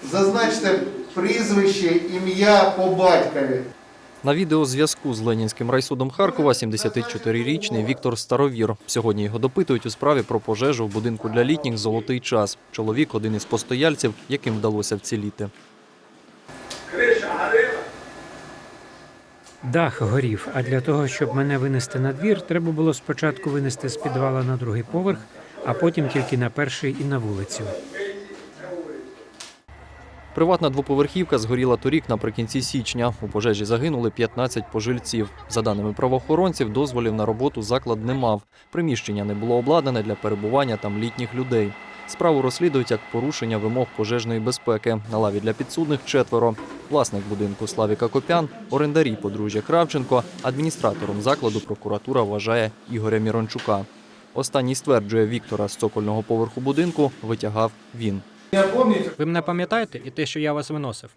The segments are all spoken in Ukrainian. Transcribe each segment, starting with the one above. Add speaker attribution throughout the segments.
Speaker 1: Зазначте прізвище, ім'я по батькові.
Speaker 2: На відеозв'язку з Ленінським райсудом Харкова 74-річний Віктор Старовір. Сьогодні його допитують у справі про пожежу в будинку для літніх «Золотий час». Чоловік – один із постояльців, яким вдалося вціліти.
Speaker 3: Криша горила?
Speaker 4: Дах горів, а для того, щоб мене винести на двір, треба було спочатку винести з підвала на другий поверх, а потім тільки на перший і на вулицю.
Speaker 2: Приватна двоповерхівка згоріла торік наприкінці січня. У пожежі загинули 15 пожильців. За даними правоохоронців, дозволів на роботу заклад не мав. Приміщення не було обладнане для перебування там літніх людей. Справу розслідують як порушення вимог пожежної безпеки. На лаві для підсудних 4. Власник будинку Славік Акопян, орендарі подружжя Кравченко, адміністратором закладу прокуратура вважає Ігоря Мірончука. Останній стверджує, Віктора з цокольного поверху будинку витягав він.
Speaker 5: Ви мене пам'ятаєте і те, що я вас виносив?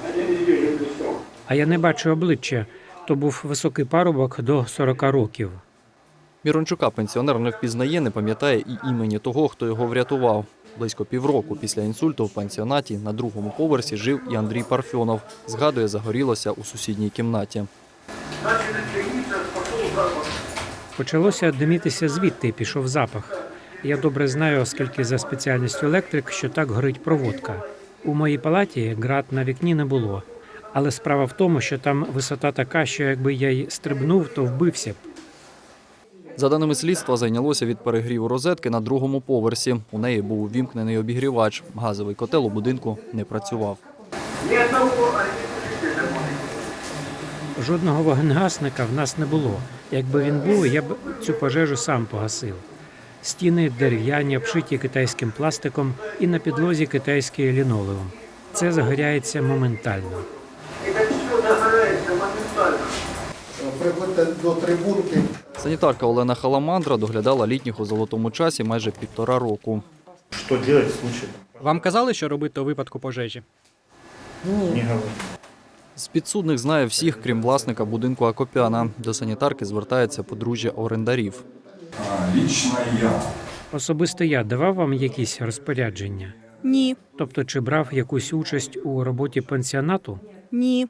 Speaker 4: А я не бачу обличчя. То був високий парубок до 40 років.
Speaker 2: Мірончука пенсіонер не впізнає, не пам'ятає і імені того, хто його врятував. Близько півроку після інсульту в пансіонаті на другому поверсі жив і Андрій Парфьонов. Згадує, загорілося у сусідній кімнаті.
Speaker 4: Почалося димітися звідти, пішов запах. Я добре знаю, оскільки за спеціальністю електрик, що так горить проводка. У моїй палаті ґрат на вікні не було. Але справа в тому, що там висота така, що якби я й стрибнув, то вбився б.
Speaker 2: За даними слідства, зайнялося від перегріву розетки на другому поверсі. У неї був увімкнений обігрівач. Газовий котел у будинку не працював.
Speaker 4: Жодного вогнегасника в нас не було. Якби він був, я б цю пожежу сам погасив. Стіни дерев'яні, обшиті китайським пластиком і на підлозі китайський лінолеум. Це загоряється моментально.
Speaker 1: Приходьте до трибунки.
Speaker 2: Санітарка Олена Халамандра доглядала літніх у «Золотому часі» майже 1,5 року.
Speaker 6: Что делать в случае?
Speaker 5: Вам казали, що робити у випадку пожежі?
Speaker 6: Не говорю.
Speaker 2: З підсудних знає всіх, крім власника будинку Акопяна. До санітарки звертається подружжя орендарів.
Speaker 7: Лично я.
Speaker 4: Особисто я давав вам якісь розпорядження?
Speaker 8: Ні,
Speaker 4: Тобто, чи брав якусь участь у роботі пансіонату?
Speaker 8: ні.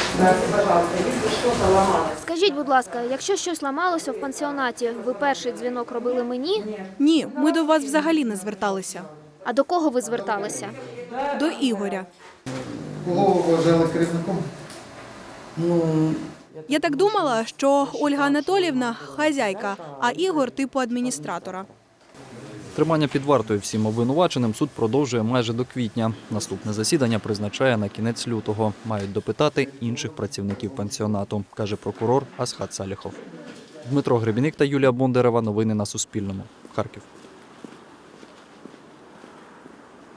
Speaker 9: Скажіть, будь ласка, якщо щось ламалося в пансіонаті, ви перший дзвінок робили мені?
Speaker 8: Ні, ми до вас взагалі не зверталися.
Speaker 9: А до кого ви зверталися?
Speaker 8: До Ігоря.
Speaker 1: Кого ви вважали керівником?
Speaker 8: Я так думала, що Ольга Анатоліївна – хазяйка, а Ігор – типу адміністратора.
Speaker 2: Тримання під вартою всім обвинуваченим суд продовжує майже до квітня. Наступне засідання призначає на кінець лютого. Мають допитати інших працівників пансіонату, каже прокурор Асхат Саліхов. Дмитро Гребінник та Юлія Бондарева. Новини на Суспільному. Харків.